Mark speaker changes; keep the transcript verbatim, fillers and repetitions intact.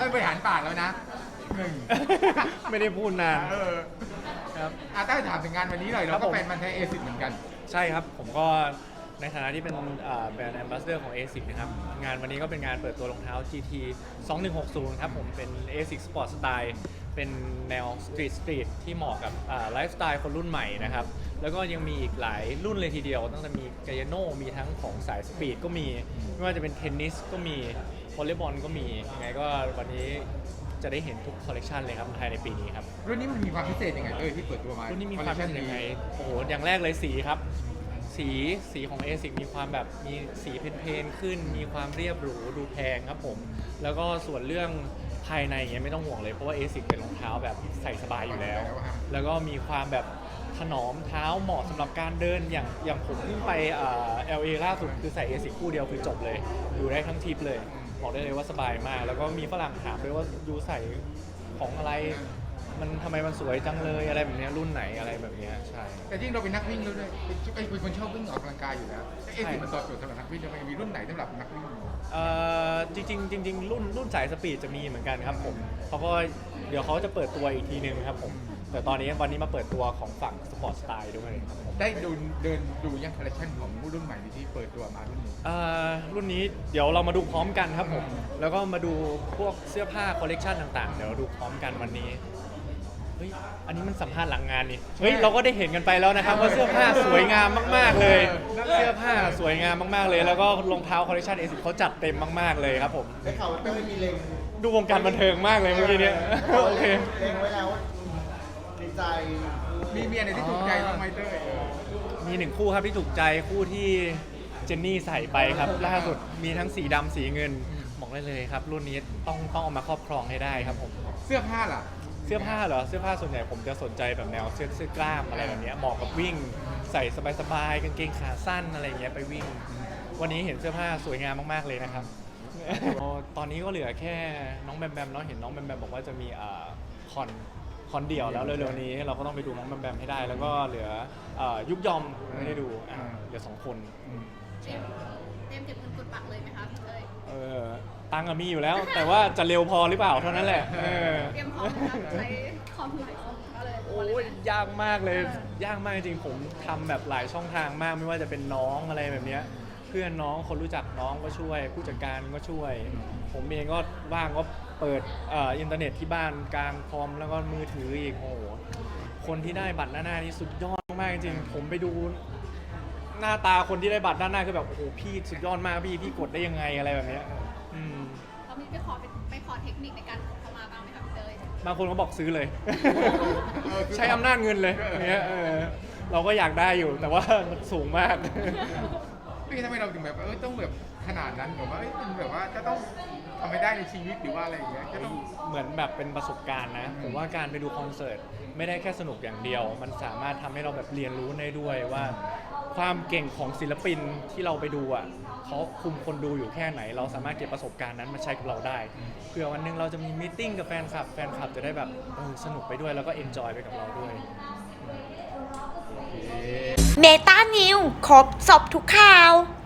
Speaker 1: บริหารปากแล้วนะหนึ่ง
Speaker 2: ไม่ได้พูดนาน
Speaker 1: เออ
Speaker 2: ครับ
Speaker 1: อาต้าถามถึงงานวันนี้หน่อย
Speaker 2: ครั
Speaker 1: เรา
Speaker 2: บ
Speaker 1: ก็
Speaker 2: ผม
Speaker 1: เป็นมันแท้เอซิเหมือนกัน
Speaker 2: ใช่ครับ ผมก็ในฐานะที่เป็นแบรนด์แอมบาสเดอร์ของ เอ ซิก นะครับ งานวันนี้ก็เป็นงานเปิดตัวรองเท้า จี ที สองหนึ่งหกศูนย์ ครับผมเป็น เอ ซิก Sport Style เป็นแนวสตรีทสตรีทที่เหมาะกับไลฟ์สไตล์คนรุ่นใหม่นะครับ แล้วก็ยังมีอีกหลายรุ่นเลยทีเดียวตั้งแต่มีกายโนมีทั้งของสายสปีดก็มี ไม่ว่าจะเป็นเทนนิสก็มีวอลเลย์บอลก็มียังไงก็วันนี้จะได้เห็นทุกคอลเลกชันเลยครับภายในปีนี้ครับ
Speaker 1: รุ่นนี้มันมีความพิเศษยังไงเอ้ยที่เปิดตัวมา
Speaker 2: รุ่นนี้มีความพิเศษยังไง โอ้โห อย่างแรกเลยสีครับ สีสีของ เอ ซิก มีความแบบมีสีเพนๆขึ้น มีความเรียบหรูดูแพงครับผม แล้วก็ส่วนเรื่องภายในเงี้ยไม่ต้องห่วงเลย เพราะว่า เอ ซิก เป็นรองเท้าแบบใส่สบายอยู่แล้ว แล้วก็มีความแบบถนอมเท้าเหมาะสำหรับการเดินอย่างอย่างผมเพิ่งไปเอ่อ แอล เอ ล่าสุดคือใส่ เอ ซิก คู่เดียวคือจบเลยอยู่ได้ทั้งทริปเลยบอกได้เลยว่าสบายมาก แล้วก็มีฝรั่งถามด้วยว่ายูใส่ของอะไรมันทำไมมันสวยจังเลยอะไรแบบนี้รุ่นไหนอะไรแบบนี้ใช่
Speaker 1: แต่จริงเราเป็นนักวิ่งแล้วด้วยไอ้เป็นคนชอบวิ่งออกกำลังกายอยู่แล้วเอซิมันตอบโจทย์สำหรับนักวิ่งจะมีรุ่นไหนสำหรับนักวิ่ง
Speaker 2: เอ่อจริงๆจริงๆรุ่นรุ่นสายสปีดจะมีเหมือนกันครับผมเขาก็เดี๋ยวเขาจะเปิดตัวอีกทีนึงครับผมแต่ตอนนี้วันนี้มาเปิดตัวของฝั่งสปอร์ตสไตล์ด้วยครับผม
Speaker 1: ได้ดูเดินดูยังคอลเลคชันของรุ่นใหม่ที่เปิดตัวมารุ่นนี้
Speaker 2: เอ่อรุ่นนี้เดี๋ยวเรามาดูพร้อมกันครับผมแล้วก็มาดูพวกเสื้อผ้าคอลเลกชันต่างๆเดี๋ยวเราดูพร้อมกันวันนี้เฮ้ยอันนี้มันสัมภาษณ์หลังงานนี่เฮ้ยเราก็ได้เห็นกันไปแล้วนะครับว่าเสื้อผ้าสวยงามมากๆเลย เสื้อผ้าสวยงามมากๆเลย แล้วก็รองเท้าคอลเลกชันเอซิเขาจัดเต็มมากๆเลยครับผม
Speaker 3: ได้ข่าวว่าเต้ยมีเล็ง
Speaker 2: ดูวงการบันเทิงมากเลยเมื่อกี้เนี้ยโอเค
Speaker 3: เล็งไว้แล้วในใจ
Speaker 1: มีเมียไหนที่ถูกใจบ้างไหมเต้ย
Speaker 2: มีหนึ่งคู่ครับที่ถูกใจคู่ที่เจนนี่ใส่ไปครับล่าสุดมีทั้งสีดำสีเงินบอกได้เลยครับรุ่นนี้ต้องต้องเอามาครอบครองให้ได้ครับผม
Speaker 1: เสื้อผ้าล่ะ
Speaker 2: เสื้อผ้าเหรอเสื้อผ้าส่วนใหญ่ผมจะสนใจแบบแนวเสื้อเสื้อกล้ามอะไรแบบเนี้ยเหมาะกับวิ่งใส่สบายๆกางเกงขาสั้นอะไรเงี้ยไปวิ่ง วันนี้เห็นเสื้อผ้าสวยงามมากๆเลยนะครับ ตอนนี้ก็เหลือแค่น้องแบมแบมเนาะเห็นน้องแบมแบมบอกว่าจะมีอ่าคอนคอนเดี่ยวแล้วเร็วๆนี้เราก็ต้องไปดูน้องแบมแบมให้ได้ แล้วก็เหลือเอ่อยุบยอมไม่ได้ดูอ่ะเหลือสองคน
Speaker 4: เตรียมเตรียมเก็บเงินกดบัตรเลยไหมคะพี่เต้ย
Speaker 2: เออตังค์อะมีอยู่แล้ว แต่ว่าจะเร็วพอหรือเปล่าเท่านั้นแหละเออ
Speaker 4: เตรียมพร้อมไหมคะใช้คอมหลายคอมก็เลย
Speaker 2: โอ้ยยากมากเลยยากมากจริงๆผมทำแบบหลายช่องทางมากไม่ว่าจะเป็นน้องอะไรแบบเนี้ยเพื่อนน้องคนรู้จักน้องก็ช่วย ผู้จัดการก็ช่วย ผมเองก็ว่างก็เปิดเอ่ออินเทอร์เน็ตที่บ้านกลางคอมแล้วก็มือถืออีกโอ้โหคนที่ได้บัตรหน้าหน้านี่สุดยอดมากจริงๆผมไปดูหน้าตาคนที่ได้บัตรด้านหน้าคือแบบโอ้โหพี่สุดยอดมากพี่พี่กดได้ยังไงอะไรแบบเนี้ยอืม
Speaker 4: เรามีไปขอไปไปขอเทคนิคในการกดเข้ามาบ้างไหมคะพี่เต้ย
Speaker 2: บางคนก็บอกซื้อเลย ใช้อำนาจเงินเลยอย่างเงี้ยเออเราก็อยากได้อยู่แต่ว่ามันสูงมาก
Speaker 1: พี่ทำไมเราถึงแบบเออต้องแบบขนาดนั้นแบบว่าเอ้ยมันแบบว่าจะต้องทำให้ได้ในชีวิตหรือว่าอะไรอย่างเงี้ยจะต้อง
Speaker 2: เหมือนแบบเป็นประสบการณ์นะผมว่าการไปดูคอนเสิร์ตไม่ได้แค่สนุกอย่างเดียว มันสามารถทำให้เราแบบเรียนรู้ได้ด้วยว่า ความเก่งของศิลปินที่เราไปดูอ่ะเขาคุมคนดูอยู่แค่ไหน เราสามารถเก็บประสบการณ์นั้นมาใช้กับเราได้เผื่อวันหนึงเราจะมีมีตติ้งกับแฟนคลับแฟนคลับจะได้แบบเออสนุกไปด้วยแล้วก็เอนจอยไปกับเราด้วย
Speaker 5: เมตานิวครบสอบทุกข่าว